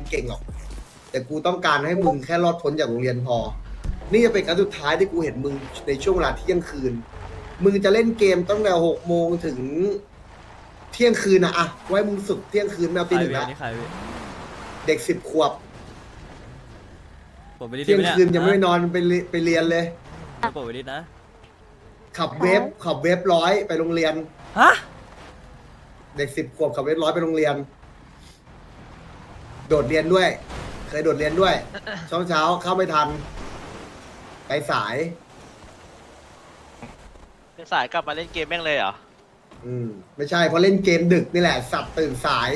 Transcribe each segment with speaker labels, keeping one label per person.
Speaker 1: เก่งหรอก แต่กูต้องการให้มึงแค่รอดพ้นจากโรงเรียนพอ นี่จะเป็นครั้งสุดท้ายที่กูเห็นมึงในช่วงเวลาเที่ยงคืน มึงจะเล่นเกมตั้งแต่6 โมงถึงเที่ยงคืนอะไว้มึงสุดเที่ยงคืนไม่เอาตี 1แล้ว
Speaker 2: นี่ใครพี่
Speaker 1: เด็ก10 ขวบ
Speaker 2: ผมไปดิส
Speaker 1: เที่ยง
Speaker 2: นี่
Speaker 1: คืนยังไม่นอนไปเรียนเลย
Speaker 2: ผมไปดิสนะ
Speaker 1: ขับเวฟร้อยไปโรงเรียน
Speaker 2: ฮะ
Speaker 1: เด็ก10 ขวบขับเวฟร้อยไปโรงเรียน โดดเรียนด้วย เคยโดดเรียนด้วยเช้าเข้าไม่ทัน ไปสาย
Speaker 3: สายกลับมาเล่นเกมแม่งเลยเหรอ
Speaker 1: ไม่ใช่เพราะเล่นเกมดึกนี่แหละสัตว์ตื่นสาย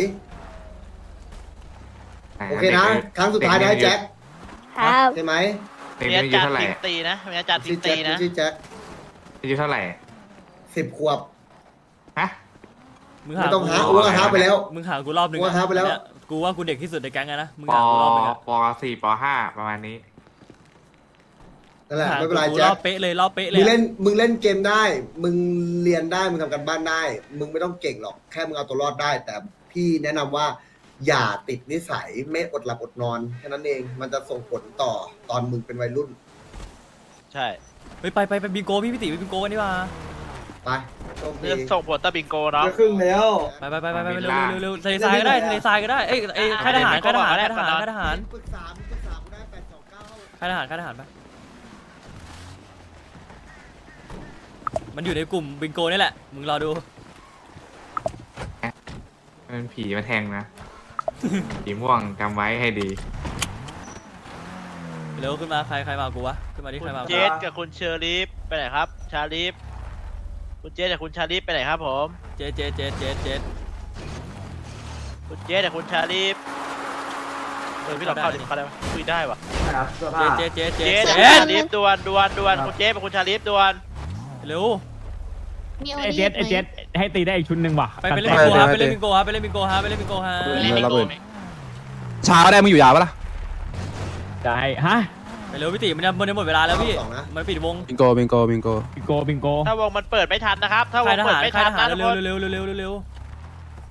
Speaker 1: โอเคนะ ครั้งสุดท้ายนะแจ็ค
Speaker 4: ครับ
Speaker 1: ใช่ไหม
Speaker 5: เด็ก
Speaker 3: มี
Speaker 5: อา
Speaker 3: อา
Speaker 5: ยุ
Speaker 3: จาร
Speaker 5: เท่า
Speaker 3: ย์
Speaker 5: ไหร่
Speaker 3: ทีมตีนะมีอาจารย์ที
Speaker 1: ชื่
Speaker 3: ม
Speaker 1: อแจ็
Speaker 3: ตี
Speaker 1: ค
Speaker 3: นะ
Speaker 1: ชื่อแจ็ค
Speaker 5: อายุเท่าไหร่
Speaker 1: 10 ขวบ
Speaker 5: ฮะ
Speaker 2: มึง
Speaker 1: ไม่
Speaker 2: หา
Speaker 1: ต้อง
Speaker 2: กู
Speaker 1: หาอ้วกหาไปแล้ว
Speaker 2: มึงหากูรอบหนึ่ง
Speaker 1: กูหาไปแล้ว
Speaker 2: เนี่ยกูว่ากูเด็กที่สุดในแก๊งอะนะ มึง
Speaker 5: ป
Speaker 2: หากูรอบหนึ่งอะ
Speaker 5: ปสี่ปห้าประมาณนี้
Speaker 1: นั่นแหละ
Speaker 2: หา
Speaker 1: ไม่เป็นไร
Speaker 2: กู
Speaker 1: แจ็
Speaker 2: ร
Speaker 1: ค
Speaker 2: อบเป๊ะเลยรอบเป๊ะเล
Speaker 1: มึ
Speaker 2: ย
Speaker 1: ง
Speaker 2: อะ
Speaker 1: เล่นเกมได้ มึงเรียนได้มึงทำการบ้านได้ มึงไม่ต้องเก่งหรอกแค่มึงเอาตัวรอดได้ แต่พี่แนะนำว่า อย่าติดนิสัยไม่อดหลับอดนอนแค่นั้นเองมันจะส่งผลต่อตอนมึงเป็นวัยรุ่น
Speaker 3: ใช่
Speaker 2: เฮ้ยไปบิงโกพี่ติไปบิงโกกันดีกว่า
Speaker 1: ไปโชคดี
Speaker 3: จะส่งผลต่อบิงโกเนาะ
Speaker 1: ครึ่งแล้ว
Speaker 2: ไปเร็วทะเลทรายก็ได้ทะเลทรายก็ได้ เอ้ยค่ายทหารค่ายทหารค่ายทหารค่ายทหาร
Speaker 1: ปรึกษากูได้829
Speaker 2: ค่ายทหารค่ายทหารไปมันอยู่ในกลุ่มบิงโกนี่แหละ มึงรอดู
Speaker 5: มันผีมาแทงนะ ผีม่วงจำไว้ให้ดี
Speaker 2: เร็วขึ้นมาใครมากูวะขึ้นมาดิ
Speaker 3: คุ
Speaker 2: ใคร
Speaker 3: ณ
Speaker 2: มา
Speaker 3: เจสกับคุณเชอรีฟไปไหนครับ ชาลีฟคุณเจสกับคุณชาลีฟไปไหนครับผม
Speaker 2: เจ
Speaker 3: คุณเจสกับคุณชาลีฟพี่ลองเข้าดิเขาได้ไหมคุยได้ปะ
Speaker 2: เจ
Speaker 3: เจสกับคุณชาลีฟด่วนคุณเจสกับคุณชาลีฟด่วน
Speaker 2: เร็ว
Speaker 4: มีโอ
Speaker 6: ไอ
Speaker 4: ดี
Speaker 6: เจ็ดให้ตีได้อีกชุดหนึ่งว่ะ
Speaker 2: ไปเล่นบิงโกฮะไปเล่นบิงโกฮะไปเล่นบิงโกฮะไปเล่นบิงโกฮะ
Speaker 7: เช้าได้มึงอยู่ยาวปะล่ะ
Speaker 6: ได้ฮะ
Speaker 2: ไปเร็วพี่ติมันจะหมดเวลาแล้วพี่มันปิดวง
Speaker 7: บิงโก
Speaker 6: บิงโก
Speaker 3: ถ้าวงมันเปิดไม่ทันนะครับ ถ้าว
Speaker 2: ค่าง ยท
Speaker 3: เปิ
Speaker 2: หา
Speaker 3: ด
Speaker 2: ร
Speaker 3: ไม่
Speaker 2: ค่า
Speaker 3: ทั
Speaker 2: ย
Speaker 3: น
Speaker 2: ทหาร
Speaker 3: นะทุก
Speaker 2: เร็
Speaker 3: ค
Speaker 2: วน เร็ว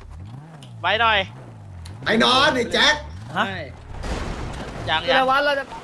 Speaker 3: ไว้หน่อย
Speaker 1: ไอ้นอนไอ้แจ็ค
Speaker 2: ฮะ
Speaker 3: ยัง